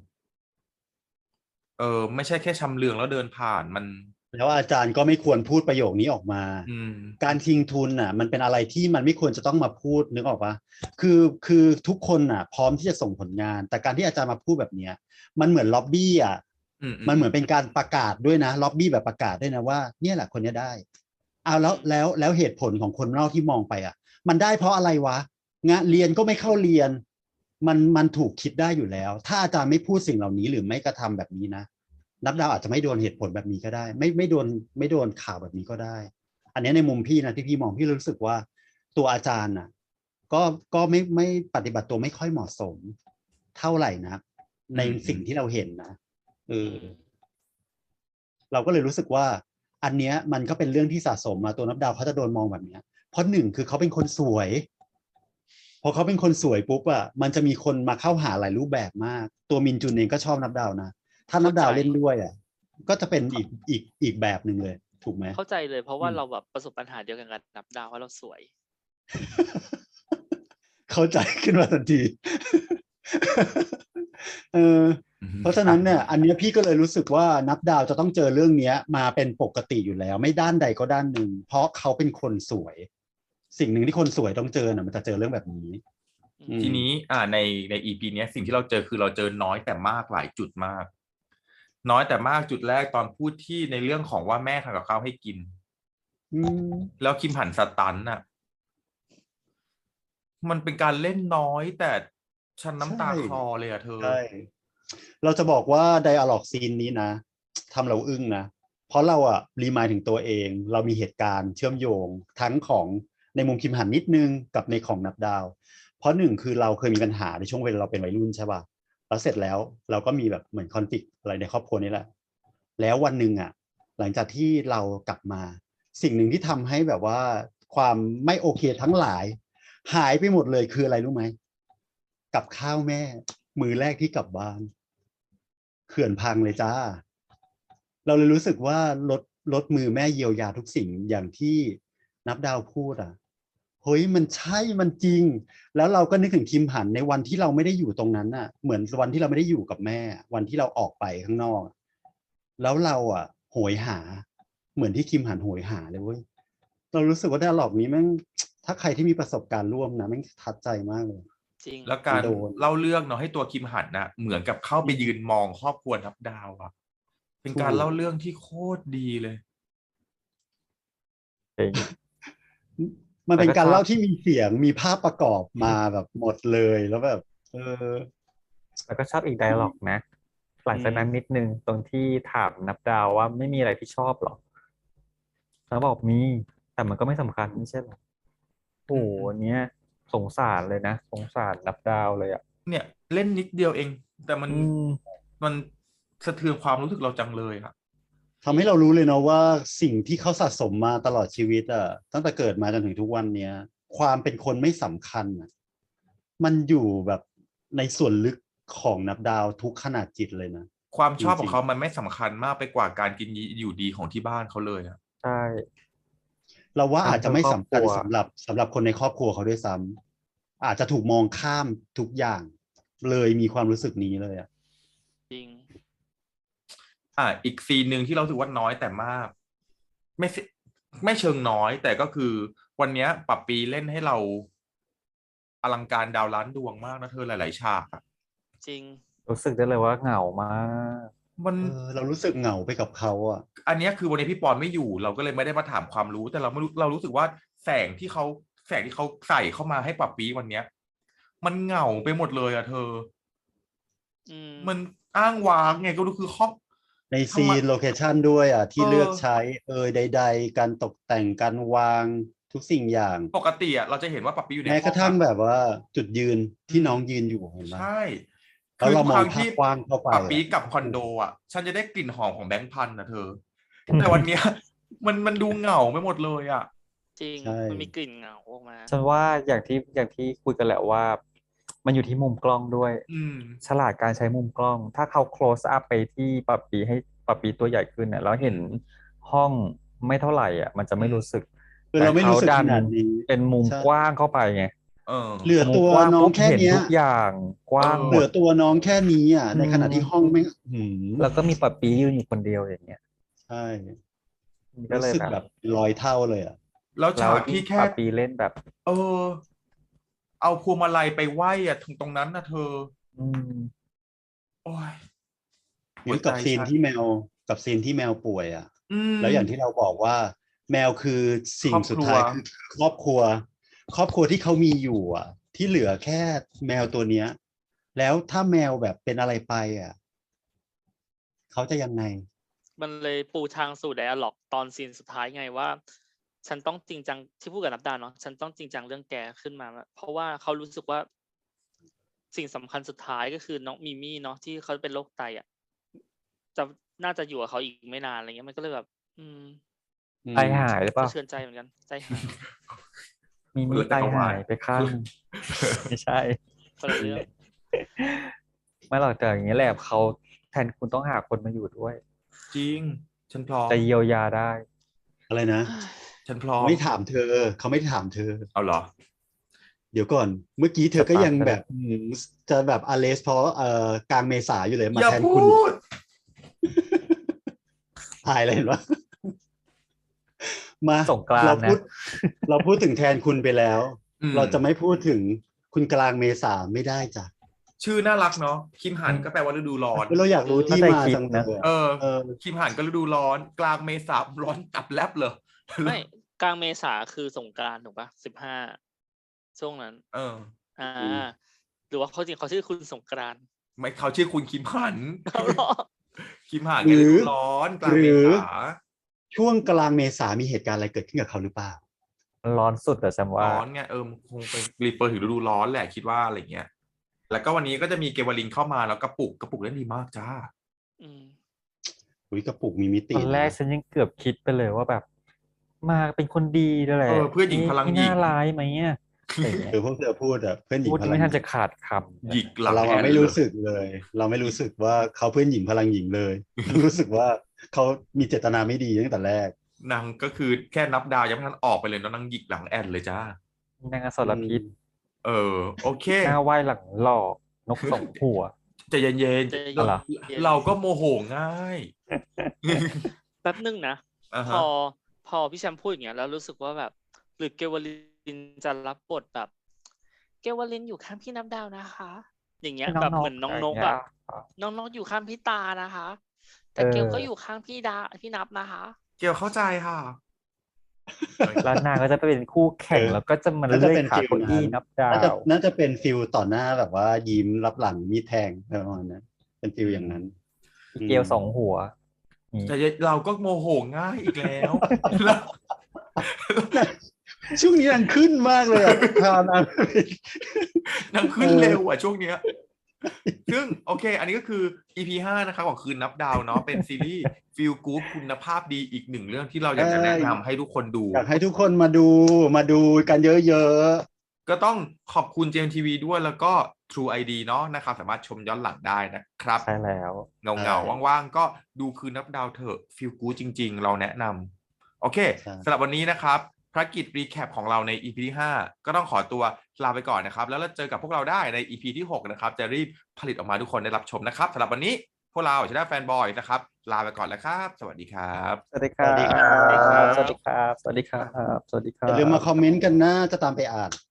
Speaker 1: เออไม่ใช่แค่ชำเลืองแล้วเดินผ่านมัน
Speaker 2: แล้วอาจารย์ก็ไม่ควรพูดประโยคนี้ออกมา
Speaker 1: อืม
Speaker 2: การทิ้งทุนน่ะ มันเป็นอะไรที่มันไม่ควรจะต้องมาพูดนึกออกปะคือคือทุกคนน่ะ พร้อมที่จะส่งผลงาน แต่การที่อาจารย์มาพูดแบบเนี้ยมันเหมือนล็อบบี้อ่ะ
Speaker 1: อืม
Speaker 2: มันเหมือนเป็นการประกาศด้วยนะล็อบบี้แบบประกาศด้วยนะว่าเนี่ยแหละคนเนี้ยได้เอาแล้วแล้วแล้วเหตุผลของคนนอกที่มองไปอ่ะ มันได้เพราะอะไรวะงานเรียนก็ไม่เข้าเรียน มันมันถูกคิดได้อยู่แล้ว ถ้าอาจารย์ไม่พูดสิ่งเหล่านี้หรือไม่กระทำแบบนี้นะนับดาวอาจจะไม่โดนเหตุผลแบบนี้ก็ได้ ไม่ไม่โดนไม่โดนข่าวแบบนี้ก็ได้ อันนี้ในมุมพี่นะที่พี่มองพี่รู้สึกว่าตัวอาจารย์น่ะ ก็ก็ไม่ไม่ปฏิบัติตัวไม่ค่อยเหมาะสม เท่าไหร่นะในสิ่งที่เราเห็นนะเออเราก็เลยรู้สึกว่า อันเนี้ยมันก็เป็นเรื่องที่สะสมมาตัวนับดาวเขาจะโดนมองแบบเนี้ยเพราะหนึ่งคือเขาเป็นคนสวยพอเขาเป็นคนสวยปุ๊บอะมันจะมีคนมาเข้าหาหลายรูปแบบมาก ตัวมินจุนเองก็ชอบนับดาวนะถ้านับดาวเล่นด้วยอะก็จะเป็นอีกอีกอีกแบบหนึ่งเลย ถูกไหม
Speaker 3: เข้าใจเลยเพราะว่า
Speaker 2: อืม
Speaker 3: เราแบบประสบปัญหาเดียวกันกับนับดาวว่าเราสวย
Speaker 2: เข้าใจขึ้นมาทันที เออ
Speaker 1: อืม
Speaker 2: เพราะฉะนั้นเนี่ย อันเนี้ยพี่ก็เลยรู้สึกว่านับดาวจะต้องเจอเรื่องเนี้ย มาเป็นปกติอยู่แล้ว ไม่ด้านใดก็ด้านหนึ่ง เพราะเขาเป็นคนสวย สิ่งหนึ่งที่คนสวยต้องเจอน่ะมันจะเจอเรื่องแบบนี้อืม
Speaker 1: ทีนี้อ่าในใน อี พี เนี้ยสิ่งที่เราเจอคือเราเจอน้อยแต่มากหลายจุดมาก น้อยแต่มากจุดแรกตอนพูดที่ในเรื่องของว่าแม่ทำกับข้าวให้กิน
Speaker 2: อืม
Speaker 1: แล้วคิมหันสตันน่ะ มันเป็นการเล่นน้อยแต่ฉันน้ำตา
Speaker 2: ใช่
Speaker 1: คลอเลยอะเธอ
Speaker 2: ใช่ เราจะบอกว่าไดอะล็อกซีนนี้นะทำเราอึ้งนะ เพราะเราอะรีมายถึงตัวเอง เรามีเหตุการณ์เชื่อมโยงทั้งของในมุมคิมหันนิดนึงกับในของนับดาว เพราะหนึ่งคือเราเคยมีปัญหาในช่วงเวลาเราเป็นวัยรุ่นใช่ป่ะ แล้วเสร็จแล้วเราก็มีแบบเหมือนคอนฟ lict อะไรในครอบครัวนี่แหละ แล้ววันหนึ่งอะหลังจากที่เรากลับมา สิ่งหนึ่งที่ทำให้แบบว่าความไม่โอเคทั้งหลาย หายไปหมดเลยคืออะไรรู้ไหม กับข้าวแม่ มือแรกที่กลับบ้าน เขื่อนพังเลยจ้า เราเลยรู้สึกว่าลดลดมือแม่เยียวยาทุกสิ่งอย่างที่นับดาวพูดอ่ะเฮ้ยมันใช่มันจริง แล้วเราก็นึกถึงคิมหันในวันที่เราไม่ได้อยู่ตรงนั้นน่ะ เหมือนวันที่เราไม่ได้อยู่กับแม่ วันที่เราออกไปข้างนอก แล้วเราอ่ะโหยหา เหมือนที่คิมหันโหยหาเลยเว้ยเรารู้สึกว่าไดอะล็อกนี้แม่งถ้าใครที่มีประสบการณ์ร่วมนะแม่งทัดใจมากเลย
Speaker 3: จริง
Speaker 1: แล้วการ
Speaker 2: โดน
Speaker 1: เล่าเรื่องเนาะให้ตัวคิมหันนะเหมือนกับเข้าไปยืนมองครอบครัวนับดาวอะเป็นการ
Speaker 2: ถูก
Speaker 1: เล่าเรื่องที่โคตรดีเลย
Speaker 4: จริง
Speaker 2: มันเป็น
Speaker 4: แล้วก็
Speaker 2: การ
Speaker 4: ชอบ
Speaker 2: เล่าที่มีเสียงมีภาพประกอบมาแบบหมดเลยแล้วแบบ เออ
Speaker 4: แล้วก็ชอบอีกไดอะล็อกนะหลังจากนั้นนิดนึงตรงที่ถามนับดาวว่าไม่มีอะไรที่ชอบหรอแล้วบอกมีแต่มันก็ไม่สำคัญไม่ใช่หรอโอ้โหอันเนี้ยสงสารเลยนะสงสารนับดาวเลยอ่ะ
Speaker 1: เนี่ยเล่นนิดเดียวเอง แต่มัน
Speaker 4: อืม
Speaker 1: มันสะเทือนความรู้สึกเราจังเลยอะ
Speaker 2: ทำให้เรารู้เลยเนาะว่าสิ่งที่เขาสะสมมาตลอดชีวิตอ่ะตั้งแต่เกิดมาจนถึงทุกวันเนี้ย ความเป็นคนไม่สำคัญอะมันอยู่แบบในส่วนลึกของนับดาวทุกขนาดจิตเลยนะ
Speaker 1: ความชอบ
Speaker 2: จ
Speaker 1: ข
Speaker 2: ริ
Speaker 1: อง งเขามันไม่สำคัญมากไปกว่าการกินอยู่ดีของที่บ้านเขาเลยอะ
Speaker 4: ใช่
Speaker 2: เราว่าอาจจะไม่สำคัญ
Speaker 4: ทำเพื่อครอบครัว
Speaker 2: สำหรับสำหรับคนในครอบครัวเขาด้วยซ้ำอาจจะถูกมองข้ามทุกอย่าง เลยมีความรู้สึกนี้เลยอ่ะ
Speaker 3: จริง
Speaker 1: อ่ะอีกซีนหนึ่งที่เราถือว่าน้อยแต่มาก ไม่สิไม่เชิงน้อย แต่ก็คือวันเนี้ยปับปีเล่นให้เราอลังการดาวล้านดวงมากนะเธอหลายๆฉากอะ
Speaker 3: จริง
Speaker 4: รู้สึกได้เลยว่าเหงามาก
Speaker 1: มัน
Speaker 2: เออเรารู้สึกเหงาไปกับเขาอ่ะ
Speaker 1: อันเนี้ยคือวันนี้พี่ปอนไม่อยู่ เราก็เลยไม่ได้มาถามความรู้ แต่เราไม่รู้เรารู้สึกว่าแสงที่เขาแสงที่เขาใส่เข้ามาให้ปับปีวันเนี้ย มันเหงาไปหมดเลยอะเธอ
Speaker 3: อืม
Speaker 1: มันอ้างว้างไงก็รู้คือห้อง
Speaker 2: ใน
Speaker 1: ทำ
Speaker 2: ซี
Speaker 1: ไม
Speaker 2: นโลเคชันด้วยอ่ะ ที่
Speaker 1: เออ
Speaker 2: เลือกใช้เอยใด ๆ การตกแต่งการวางทุกสิ่งอย่าง
Speaker 1: ปกติอะเราจะเห็นว่าปับปีอยู่ใน
Speaker 2: แม้
Speaker 1: ห้
Speaker 2: ก
Speaker 1: อง
Speaker 2: ระทั่ง
Speaker 1: อะ
Speaker 2: แบบว่าจุดยืนที่
Speaker 1: อืม
Speaker 2: น้องยืนอยู่เห็นไหม
Speaker 1: ใช่
Speaker 2: แล้ว
Speaker 1: คือ
Speaker 2: เรา
Speaker 1: ทุก
Speaker 2: ม
Speaker 1: ค
Speaker 2: อง
Speaker 1: รั้ง
Speaker 2: ภาพ
Speaker 1: ที่
Speaker 2: กว้างเข้าไป
Speaker 1: ปับปี
Speaker 2: อะ
Speaker 1: กลับคอนโดอะฉันจะได้กลิ่นหอมของแบงค์พันนะเธอ แต่วันเนี้ย มันมันดูเหงาไปหมดเลยอะ
Speaker 3: จริง
Speaker 2: ใช่
Speaker 3: มันมีกลิ่นเหงาออกมา
Speaker 4: ฉันว่าอย่างที่อย่างที่คุยกันแหละว่า มันอยู่ที่มุมกล้องด้วย
Speaker 1: อืม
Speaker 4: ฉลาดการใช้มุมกล้อง ถ้าเขา close up ไปที่ปับปีให้ปับปีตัวใหญ่ขึ้นเนี่ยแล้วเห็นห้องไม่เท่าไหร่อ่ะ มันจะไม่
Speaker 1: อืม
Speaker 4: รู้สึก
Speaker 2: คือ
Speaker 4: แต่
Speaker 2: เราไม่
Speaker 4: เขา
Speaker 2: รู้สึก
Speaker 4: ดั
Speaker 2: ข
Speaker 4: น
Speaker 2: นาดนี้
Speaker 4: เป็นมุม
Speaker 2: ใช่
Speaker 4: กว้างเข้าไปไง
Speaker 1: เออ
Speaker 2: เหลือ
Speaker 4: มุม
Speaker 2: ตัว
Speaker 4: กว้าง
Speaker 2: น้อง
Speaker 4: ปุ๊บ
Speaker 2: แค่
Speaker 4: เห็น
Speaker 2: เนี้ย
Speaker 4: ทุกอย่างกว้าง
Speaker 1: เออ
Speaker 4: ห
Speaker 2: เห
Speaker 4: ม
Speaker 2: ลื
Speaker 4: ด
Speaker 2: อตัวน้องแค่นี้อ่ะ ในขณะที่
Speaker 4: อืม
Speaker 2: ห้องไม่หืม
Speaker 4: แล้วก็มีปับปียืนอยู่คนเดียวอย่างเงี้ย
Speaker 2: ใช่
Speaker 4: มันก็
Speaker 2: รู้
Speaker 4: เลย
Speaker 2: สึก
Speaker 4: แบบ
Speaker 2: แบบร้อยเท่าเลยอ่ะ
Speaker 1: แล้ว
Speaker 4: แล้
Speaker 1: ฉาว ก
Speaker 4: ยิ่
Speaker 1: ที่
Speaker 4: ง
Speaker 1: แค่
Speaker 4: ปับปีเล่นแบบ
Speaker 1: เออ เอาพวงมาลัยไปไหว้อะตรงตรงนั้นนะเธอ
Speaker 4: อืม
Speaker 1: โอ้ย
Speaker 2: เหมือนกับ
Speaker 1: หัวใจ
Speaker 2: ซีน
Speaker 1: ฉัน
Speaker 2: ที่แมวกับซีนที่แมวป่วยอ่ะ
Speaker 1: อืม
Speaker 2: แล้วอย่างที่เราบอกว่า แมวคือสิ่
Speaker 1: ครง อบ
Speaker 2: สุด
Speaker 1: ครัว
Speaker 2: ท้ายคือครอบครัว ครอบครัวที่เขามีอยู่อ่ะ ที่เหลือแค่แมวตัวเนี้ย แล้วถ้าแมวแบบเป็นอะไรไปอ่ะ เขาจะยังไง
Speaker 3: มันเลยปูทางสู่ไดอะล็อกตอนซีนสุดท้ายไงว่า ฉันต้องจริงจังที่พูดกับนับดาวเนาะฉันต้องจริงจังเรื่องแกขึ้นมา เพราะว่าเขารู้สึกว่า สิ่งสำคัญสุดท้ายก็คือน้องมิมี่เนาะที่เขาเป็นโรคไตอ่ะ จะน่าจะอยู่กับเขาอีกไม่นานอะไรเงี้ยมันก็เลยแบบ อืม
Speaker 2: อื
Speaker 4: ใจ
Speaker 2: ม
Speaker 4: หายหรือเป
Speaker 3: สะ
Speaker 4: ล่า
Speaker 3: เทือนใจเหมือนกัน ใจหาย
Speaker 4: มี
Speaker 1: คน
Speaker 4: มี
Speaker 1: ละ
Speaker 4: ใจ
Speaker 1: จักรวา
Speaker 4: หา
Speaker 1: ล
Speaker 4: ยไปข้างหนึ่ง ไม่ใช่
Speaker 3: คนละเรื่อง
Speaker 4: ไม่หรอกแต่อย่างนี้แหละเขาแทนคุณต้องหาคนมาอยู่ด้วย
Speaker 1: จริง ฉันพร้อม
Speaker 4: จะเยียวยาได้
Speaker 2: อะไรนะ
Speaker 1: ฉันพร้อม
Speaker 2: ไม่ถามเธอ เขาไม่ถามเธอ
Speaker 1: เอาเหรอ
Speaker 2: เดี๋ยวก่อน เมื่อกี้เธอก็
Speaker 4: สตาร์ท
Speaker 2: ยัง
Speaker 4: ไป
Speaker 2: แบ
Speaker 4: แล้ว
Speaker 2: บอืมจะแบบอเลสเพราะเอ่อกลางเมษาอยู่เลย มา
Speaker 1: อย่า
Speaker 2: แทน
Speaker 1: พู
Speaker 2: คุณ
Speaker 1: ด
Speaker 2: อายเลยเห็นปะ มา
Speaker 4: สงกรานต์
Speaker 2: เรา
Speaker 4: นะ
Speaker 2: พูด เราพูดถึงแทนคุณไปแล้ว
Speaker 1: อืม
Speaker 2: เราจะไม่พูดถึงคุณกลางเมษาไม่ได้จ้ะ
Speaker 1: ชื่อน่ารักเนาะ คิมหัน
Speaker 4: อืม
Speaker 1: ก็แปลว่าฤดูร้อน
Speaker 2: เราอยากรู้ที่
Speaker 4: เข้าใจ
Speaker 2: มา
Speaker 4: คิด
Speaker 2: จังเล
Speaker 4: นะ
Speaker 2: ย
Speaker 1: เอ
Speaker 2: อะ
Speaker 1: อ
Speaker 2: เออ
Speaker 1: คิมหันก็ฤดูร้อน กลางเมษาร้อนตับแลบเลย
Speaker 3: ไม่กลางเมษาคือสงกรานต์ถูกปะสิบห้าช่วงนั้น
Speaker 1: เออ
Speaker 3: อ่า
Speaker 2: อืม
Speaker 3: หรือว่าเขาจริงเขาชื่อคุณสงกรานต์
Speaker 1: ไม่เขาชื่อคุณคิมหัน
Speaker 3: เอาเหรอ
Speaker 1: คิมหัน
Speaker 2: ห
Speaker 1: ไง
Speaker 2: รื
Speaker 1: ฤ
Speaker 2: อ
Speaker 1: ดูร้อน กลาง
Speaker 2: ห
Speaker 1: เม
Speaker 2: รือ
Speaker 1: ษา
Speaker 2: ช่วงกลางเมษามีเหตุการณ์อะไรเกิดขึ้นกับเขาหรือเปล่า
Speaker 4: มันร้อนสุดแต่ฉันว่า
Speaker 1: ร้อนไงเออคงเป็นรีเฟอร์ถึงฤดูร้อนแหละคิดว่าอะไรเงี้ย แล้วก็วันนี้ก็จะมีเกวลินเข้ามาแล้วกระปุกกระปุกเล่นดีมากจ้า
Speaker 3: อืม
Speaker 2: อุ้ยกระปุกมีมิติ
Speaker 4: ตอนแรก
Speaker 2: นะ
Speaker 4: ฉันยังเกือบคิดไปเลยว่าแบบ มาเป็นคนดีด้วยแหละ
Speaker 1: เออเพื่อนหญิงพลังหญิง
Speaker 4: ไม่น่าร้ายไหมเนี่ยอะไรอย่างเงี้ย
Speaker 2: คือพวกเธอพูดอะเพื่อนหญิง
Speaker 4: พูด
Speaker 2: พ
Speaker 4: ยัง
Speaker 2: ลัง
Speaker 4: ไม่
Speaker 2: ห
Speaker 4: ทั
Speaker 2: ญิ
Speaker 4: น
Speaker 2: ง
Speaker 4: จะขาดคำ
Speaker 1: หยิกหลัง
Speaker 2: เรา
Speaker 1: แอ
Speaker 2: อะ
Speaker 1: น
Speaker 2: ไม่
Speaker 1: เล
Speaker 2: รู้
Speaker 1: ย
Speaker 2: สึกเลย เราไม่รู้สึกว่าเขาเพื่อนหญิงพลังหญิงเลย รู้สึกว่าเขามีเจตนาไม่ดีตั้งแต่แรก
Speaker 1: นางก็คือแค่นับดาวยังไม่ทันออกไปเลยเนอะนางหยิกหลังแอนเลยจ้า
Speaker 4: นางอสรพิษ
Speaker 1: เออ โอเค
Speaker 4: หน้าไหว้หลังหลอกนกสองหัว
Speaker 1: ใจเย็น
Speaker 3: ใจ
Speaker 1: ๆ
Speaker 3: เย็น
Speaker 1: เรา
Speaker 3: เย็น
Speaker 1: เราก็โมโหง่าย
Speaker 3: แป๊บนึงนะ
Speaker 1: อ่า
Speaker 3: พ
Speaker 1: ฮะ
Speaker 3: อพอพี่แชมป์พูดอย่างเงี้ยแล้วรู้สึกว่าแบบ หรือเกวลินจะรับบทแบบ เกวลินอยู่ข้างพี่นับดาวนะคะ อย่างเงี้ย
Speaker 4: น้อง
Speaker 3: แบบ
Speaker 4: นก
Speaker 3: เหมือนน้องนก
Speaker 4: อะไรอย่างเงี้
Speaker 3: อะ
Speaker 4: ย
Speaker 3: น้องนกอยู่ข้างพี่ตานะคะ แต่
Speaker 4: เออ
Speaker 3: เกลก็อยู่ข้างพี่ดาพี่นับนะคะ
Speaker 1: เกี่ยวเข้าใจค่ะ
Speaker 4: แล้วนางก็จะไปเป็นคู่แข่ง
Speaker 2: เออ
Speaker 4: แล้วก็จะมา
Speaker 2: น่าจะ
Speaker 4: เลื่อย
Speaker 2: เป็น
Speaker 4: ขา
Speaker 2: ฟิล
Speaker 4: เก้าอี้
Speaker 2: นั้น
Speaker 4: นับดา
Speaker 2: น่าจะ
Speaker 4: ว
Speaker 2: น่าจะเป็นฟิลต่อหน้าแบบว่ายิ้มรับหลังมีดแทงประมาณนั้นเป็นฟิลอย่างนั้น
Speaker 4: อีเกลสองหัวนี่
Speaker 1: แต่เราก็โมโหง่ายอีกแล้ว แล้ว
Speaker 2: ช่วงนี้นางขึ้นมากเลยอ่ะพานาง
Speaker 1: นางขึ้นเร็วอ่ะช่วงเนี้ย ซึ่งโอเค อันนี้ก็คือ อี พี ห้านะครับของคืนนับดาวเนาะเป็นซีรีส์ฟีลกู๊ดคุณภาพดีอีกหนึ่งเรื่องที่เราอยากจะแนะนำให้ทุกคนดู
Speaker 2: อยากให้ทุกคนมาดูมาดูกันเยอะ
Speaker 1: ก็ต้องขอบคุณ เจ เอ็ม ที วี ด้วยแล้วก็ True ไอ ดี เนาะนะครับสามารถชมย้อนหลังได้นะครับ
Speaker 4: ใช่แล้ว
Speaker 1: เงาเงาๆว่างๆ ก็ดูคืนนับดาวเถอะฟีลกู๊ดจริงๆ เราแนะนำโอเคสำหรับวันนี้นะครับภารกิจรีแคปของเราใน อี พี ที่ห้าก็ต้องขอตัวลาไปก่อนนะครับแล้วเราเจอกับพวกเราได้ใน อี พี ที่หกนะครับจะรีบผลิตออกมาทุกคนได้รับชมนะครับสำหรับวันนี้พวกเราชนะแฟนบอยนะครับลาไปก่อนแล้วครับสวัสดีครับ
Speaker 4: สวัสดีครับ
Speaker 2: สวัสดีครับ
Speaker 4: สวัสดีครับ สวัสดีครับ สวัสดีค
Speaker 2: ๆ
Speaker 4: รั
Speaker 2: อย่าลืมมา
Speaker 4: บ
Speaker 2: คอมเมนต์กันนะจะตามไปอ่าน